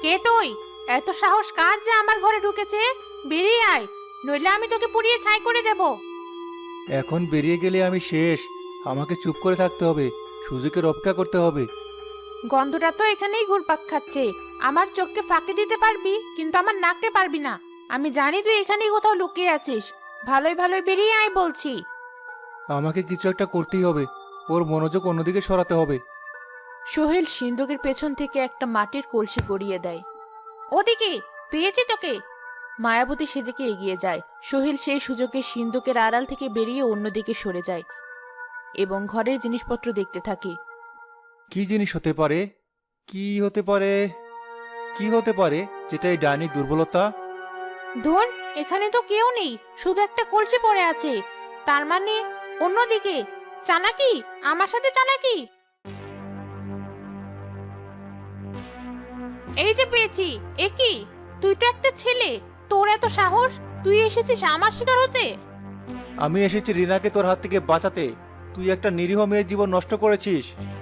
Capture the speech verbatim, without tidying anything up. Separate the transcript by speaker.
Speaker 1: কে তুই? এত সাহস কার যে আমার ঘরে ঢুকেছে? বেরিয়ে আয়, নইলে আমি তোকে পুড়িয়ে ছাই করে দেব।
Speaker 2: এখন বেরিয়ে গেলে আমি শেষ। আমাকে চুপ করে থাকতে হবে, সুযোগের অপেক্ষা করতে হবে।
Speaker 1: গন্ধটা তো এখানেই ঘুরপাক খাচ্ছে। আমার চোখকে ফাঁকি দিতে পারবি, কিন্তু আমার নাককে পারবি না। আমি জানি তুই এখানেই কোথাও লুকিয়ে আছিস। ভালোই ভালোই বেরিয়ে আয় বলছি।
Speaker 2: আমাকে কিছু একটা করতেই হবে, ওর মনোযোগ অন্যদিকে সরাতে হবে।
Speaker 1: সোহেল সিন্ধুকের পেছন থেকে একটা মাটির কলসি গড়িয়ে দেয়। ওদিকে, পেয়েছি তোকে। মায়াবতী সেদিকে এগিয়ে যায়। সোহেল সেই সুযোগে সিন্ধুকের আড়াল থেকে বেরিয়ে অন্যদিকে সরে যায় এবং ঘরের জিনিসপত্র দেখতে থাকে।
Speaker 2: কি জিনিস হতে পারে? কি হতে পারে? কি হতে পারে যেটা এই ডাইনির দুর্বলতা?
Speaker 1: ধুর, এখানে তো কেউ নেই, শুধু একটা কলসি পড়ে আছে। তার মানে অন্যদিকে। চালাকি, আমার সাথে চালাকি। এই যে পেয়েছি। এ কি? তুই তো একটা ছেলে, তোর এত সাহস? তুই এসেছিস আমার শিকার হতে?
Speaker 2: আমি এসেছি রিনাকে তোর হাত থেকে বাঁচাতে। তুই একটা নিরীহ মেয়ের জীবন নষ্ট করেছিস।